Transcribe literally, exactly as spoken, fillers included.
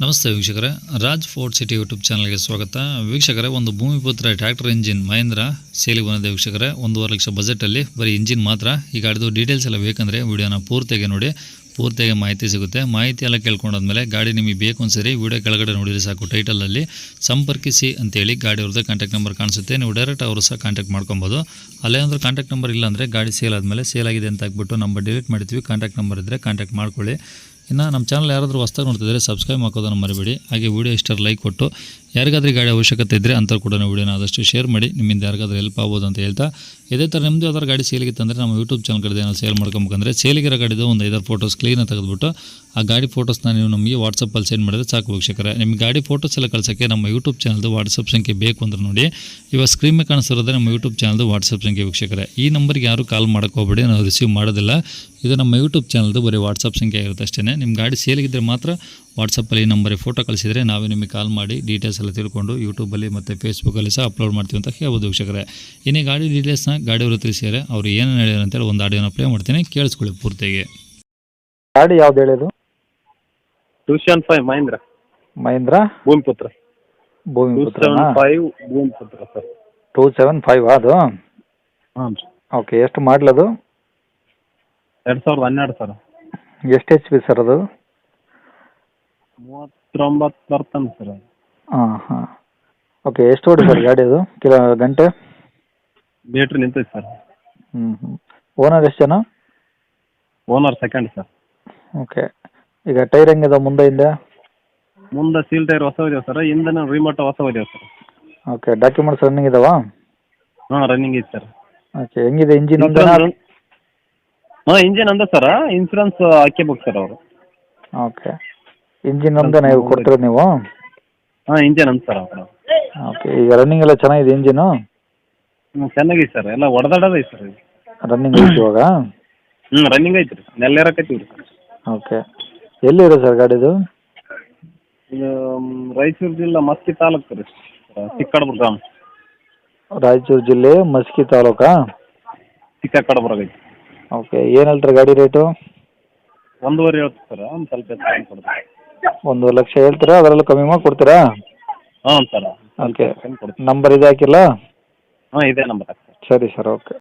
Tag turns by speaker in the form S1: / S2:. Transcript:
S1: ನಮಸ್ತೆ ವೀಕ್ಷಕರೇ, Raj fort city YouTube ಚಾನಲ್ಗೆ ಸ್ವಾಗತ. ವೀಕ್ಷಕರೇ, ಒಂದು ಭೂಮಿಪುತ್ರ ಟ್ರ್ಯಾಕ್ಟರ್ ಇಂಜಿನ್ ಮಹೇಂದ್ರ ಸೇಲಿಗೆ ಬಂದಿದೆ ವೀಕ್ಷಕರೇ. ಒಂದೂವರೆ ಲಕ್ಷ ಬಜೆಟಲ್ಲಿ ಬರೀ ಇಂಜಿನ್ ಮಾತ್ರ. ಈಗ ಗಾಡಿದು ಡೀಟೇಲ್ಸ್ ಎಲ್ಲ ಬೇಕಂದರೆ ವಿಡಿಯೋನ ಪೂರ್ತಿಯಾಗಿ ನೋಡಿ, ಪೂರ್ತಿಯಾಗಿ ಮಾಹಿತಿ ಸಿಗುತ್ತೆ. ಮಾಹಿತಿ ಎಲ್ಲ ಕೇಳ್ಕೊಂಡಾದ್ಮೇಲೆ ಗಾಡಿ ನಿಮಗೆ ಬೇಕು ಅನ್ಸರಿ ವಿಡಿಯೋ ಕೆಳಗಡೆ ನೋಡಿದರೆ ಸಾಕು, ಟೈಟಲಲ್ಲಿ ಸಂಪರ್ಕಿಸಿ ಅಂತೇಳಿ ಗಾಡಿ ಅವ್ರದ್ದು ಕಾಂಟ್ಯಾಕ್ಟ್ ನಂಬರ್ ಕಾಣಿಸುತ್ತೆ. ನೀವು ಡೈರೆಕ್ಟ್ ಅವರು ಸಹ ಕಾಂಟ್ಯಾಕ್ಟ್ ಮಾಡ್ಕೊಬೋದು. ಅಲ್ಲೇ ಅಂದ್ರೆ ಕಾಂಟ್ಯಾಕ್ಟ್ ನಂಬರ್ ಇಲ್ಲ ಅಂದರೆ ಗಾಡಿ ಸೇಲ್ ಆದಮೇಲೆ ಸೇಲ್ ಆಗಿದೆ ಅಂತ ಹಾಕ್ಬಿಟ್ಟು ನಂಬರ್ ಡಿಲೀಟ್ ಮಾಡ್ತೀವಿ. ಕಾಂಟ್ಯಾಕ್ಟ್ ನಂಬರ್ ಇದ್ದರೆ ಕಾಂಟ್ಯಾಕ್ಟ್ ಮಾಡ್ಕೊಳ್ಳಿ. ಇನ್ನು ನಮ್ಮ ಚಾನಲ್ ಯಾರಾದರೂ ಹೊಸ್ದಾಗಿ ನೋಡ್ತಿದ್ರೆ ಸಬ್ಸ್ಕ್ರೈಬ್ ಹಾಕೋದನ್ನು ಮರಿಬೇಡಿ. ಹಾಗೆ ವೀಡಿಯೋ ಇಷ್ಟರ ಲೈಕ್ ಕೊಟ್ಟು ಯಾರಿಗಾದ್ರೂ ಗಾಡಿ ಅವಶ್ಯಕತೆ ಇದ್ದರೆ ಅಂಥವ್ರು ಕೂಡ ವೀಡಿಯೋನ ಆದಷ್ಟು ಶೇರ್ ಮಾಡಿ, ನಿಮ್ಮಿಂದ ಯಾರಿಗಾದ್ರೂ ಹೆಲ್ಪ್ ಆಗ್ಬೋದು ಅಂತ ಹೇಳ್ತಾ, ಇದೇ ಥರ ನಿಮ್ಮದು ಯಾವ್ದಾರು ಗಾಡಿ ಸೇಲಿಗಿತ್ತಂದರೆ ನಮ್ಮ ಯೂಟ್ಯೂಬ್ ಚಾನಲ್ ಕಡೆ ಏನೋ ಸೇಲ್ ಮಾಡ್ಕೊಬೇಕಂದ್ರೆ ಸೇಲಿಗಿರೋ ಗಾಡಿದು ಒಂದು ಐದಾರು ಫೋಟೋಸ್ ಕ್ಲೀನಾಗಿ ತೆಗೆದುಬಿಟ್ಟು ಆ ಗಾಡಿ ಫೋಟೋಸ್ನ ನೀವು ನಮಗೆ ವಾಟ್ಸಪ್ಪಲ್ಲಿ ಸೆಂಡ್ ಮಾಡಿದ್ರೆ ಸಾಕು ವೀಕ್ಷಕರೇ. ನಿಮಗೆ ಗಾಡಿ ಫೋಟೋಸ್ ಎಲ್ಲ ಕಳ್ಸೋಕ್ಕೆ ನಮ್ಮ ಯೂಟ್ಯೂಬ್ ಚಾನಲ್ದು ವಾಟ್ಸಪ್ ಸಂಖ್ಯೆ ಬೇಕು ಅಂದ್ರೆ ನೋಡಿ, ಇವಾಗ ಸ್ಕ್ರೀನ್ ಮೇಲೆ ಕಾಣಿಸ್ತಿರೋದೇ ನಮ್ಮ ಯೂಟ್ಯೂಬ್ ಚಾನಲ್ದು ವಾಟ್ಸಪ್ ಸಂಖ್ಯೆ ವೀಕ್ಷಕರೇ. ಈ ನಂಬರ್ಗೆ ಯಾರು ಕಾಲ್ ಮಾಡೋಕೆ ಹೋಗಬೇಡಿ, ನಾವು ರಿಸೀವ್ ಮಾಡೋದಿಲ್ಲ. ಇದು ನಮ್ಮ ಯೂಟ್ಯೂಬ್ ಚಾನಲ್ದು ಬರೀ ವಾಟ್ಸಪ್ ಸಂಖ್ಯೆ ಇರುತ್ತೆ ಅಷ್ಟೇ. ನಿಮ್ಮ ಗಾಡಿ ಸೇಲಿಗಿದ್ದರೆ ಮಾತ್ರ ವಾಟ್ಸಪ್ಪಲ್ಲಿ ಈ ನಂಬರಿಗೆ ಫೋಟೋ ಕಳಿಸಿದರೆ ನಾವೇ ನಿಮಗೆ ಕಾಲ್ ಮಾಡಿ ಡೀಟೇಲ್ಸ್ ಎಲ್ಲ ತಿಳ್ಕೊಂಡು ಯೂಟ್ಯೂಬಲ್ಲಿ ಮತ್ತು ಫೇಸ್ಬುಕ್ಕಲ್ಲಿ ಸಹ ಅಪ್ಲೋಡ್ ಮಾಡ್ತೀವಿ ಅಂತ ಹೇಳ್ಬೋದು ವೀಕ್ಷಕರೇ. ಇನ್ನೇ ಗಾಡಿ ಡೀಟೇಲ್ಸ್ನ ಗಾಡಿಯವರು ತಿಳಿಸಿದರೆ ಅವ್ರು ಏನೇನು ಹೇಳಿದ್ರು ಅಂತೇಳಿ ಒಂದು ಆಡಿಯೋನ ಪ್ಲೇ ಮಾಡ್ತೀನಿ, ಕೇಳಿಸ್ಕೊಳ್ಳಿ ಪೂರ್ತಿಯಾಗಿ.
S2: ಗಾಡಿ ಯಾವ್ದು ಹೇಳಿದು?
S3: Tuition five Mahindra
S2: Mahindra
S3: Bhoomiputra
S2: Bhoomiputra
S3: five Bhoomiputra sir.
S2: Two seven five ಅದು?
S3: ಹಾಂ ರೀ.
S2: ಓಕೆ, ಎಷ್ಟು ಮಾಡಲದು?
S3: ಎರಡು ಸಾವಿರದ ಹನ್ನೆರಡು ಸರ್.
S2: ಎಷ್ಟು ಎಚ್ ಪಿ ಸರ್ ಅದು?
S3: ಮೂವತ್ತೊಂಬತ್ತು ಬರ್ತಾನೆ ಸರ್.
S2: ಹಾಂ ಹಾಂ ಓಕೆ, ಎಷ್ಟು ಓಡಿ ಸರ್ ಗಾಡಿ ಅದು ಕಿಲೋ ಗಂಟೆ?
S3: ಬೇಟ್ರಿ ನಿಂತೈತೆ ಸರ್.
S2: ಹ್ಞೂ ಹ್ಞೂ ಓನರ್ ಎಷ್ಟು ಜನ?
S3: Owner second sir.
S2: ಓಕೆ, ಈಗ ಟೈರ್ ಹೆಂಗಿದೆ ಮುಂದೆ ಹಿಂದೆ?
S3: ಮುಂದೆ ಸೀಲ್ ಟೈರ್ ಹೊಸ ಇದಾವೆ ಸರ್, ಹಿಂದೆ ರಿಮೋಟ್ ಹೊಸ ಇದಾವೆ ಸರ್.
S2: ಓಕೆ, ಡಾಕ್ಯುಮೆಂಟ್ಸ್ ರನ್ನಿಂಗ್ ಇದಾವಾ?
S3: ಹಾಂ ರನ್ನಿಂಗ್ ಐತೆ ಸರ್.
S2: ಓಕೆ, ಹೆಂಗಿದೆ ಇಂಜಿನ್ ಒಂದು?
S3: ಹಾಂ ಇಂಜಿನ್ ಅಂದ ಸರ್, ಇನ್ಸೂರೆನ್ಸ್ ಹಾಕಿಬೇಕು ಸರ್ ಅವರು.
S2: ಓಕೆ, ಇಂಜಿನ್ ಒಂದೇ ನೀವು ಕೊಡ್ತೀರಾ ನೀವು?
S3: ಹಾಂ ಇಂಜಿನ್ ಅಂದ ಸರ್ ಅವರು.
S2: ಓಕೆ, ಈಗ ರನ್ನಿಂಗ್ ಎಲ್ಲ ಚೆನ್ನಾಗಿದೆ ಇಂಜಿನು?
S3: ಹ್ಞೂ ಚೆನ್ನಾಗೈತೆ ಸರ್, ಎಲ್ಲ ಹೊಡೆದಾಡೋದೈತೆ ಸರ್.
S2: ರನ್ನಿಂಗ್ ಐತಿ ಇವಾಗ?
S3: ಹ್ಞೂ ರನ್ನಿಂಗ್ ಐತೆ ರೀ, ನೆಲ್ಲೇರಕತ್ತೀವಿ ರೀ ಸರ್.
S2: ಓಕೆ, ಎಲ್ಲಿದೆ ಸರ್ ಗಾಡಿದು?
S3: ಇದು ರಾಯಚೂರು ಜಿಲ್ಲಾ ಮಸ್ಕಿ ತಾಲೂಕು ರೀ, ಚಿಕ್ಕಕಡಬುರ ಗ್ರಾಮ.
S2: ರಾಯಚೂರು ಜಿಲ್ಲೆ ಮಸ್ಕಿ ತಾಲೂಕಾ?
S3: ಚಿಕ್ಕಕಡಬುರ ಐತಿ.
S2: ಓಕೆ, ಏನು ಹೇಳ್ತಾರೆ ಗಾಡಿ ರೇಟು?
S3: ಒಂದೂವರೆ ಹೇಳ್ತೀವಿ ಸರ್, ಒಂದು ಸ್ವಲ್ಪ ಹೆಚ್ಚು ಕೊಡ್ತೀವಿ.
S2: ಒಂದು ಲಕ್ಷ ಹೇಳ್ತೀರಾ, ಅದರಲ್ಲೂ ಕಮ್ಮಿ ಮಾಡಿ ಕೊಡ್ತೀರಾ?
S3: ಹ್ಞೂ ಸರ್.
S2: ಓಕೆ, ನಂಬರ್ ಇದು ಹಾಕಿಲ್ಲ?
S3: ಹಾಂ ಇದೇ ನಂಬರ್ ಹಾಕಿ.
S2: ಸರಿ ಸರ್, ಓಕೆ.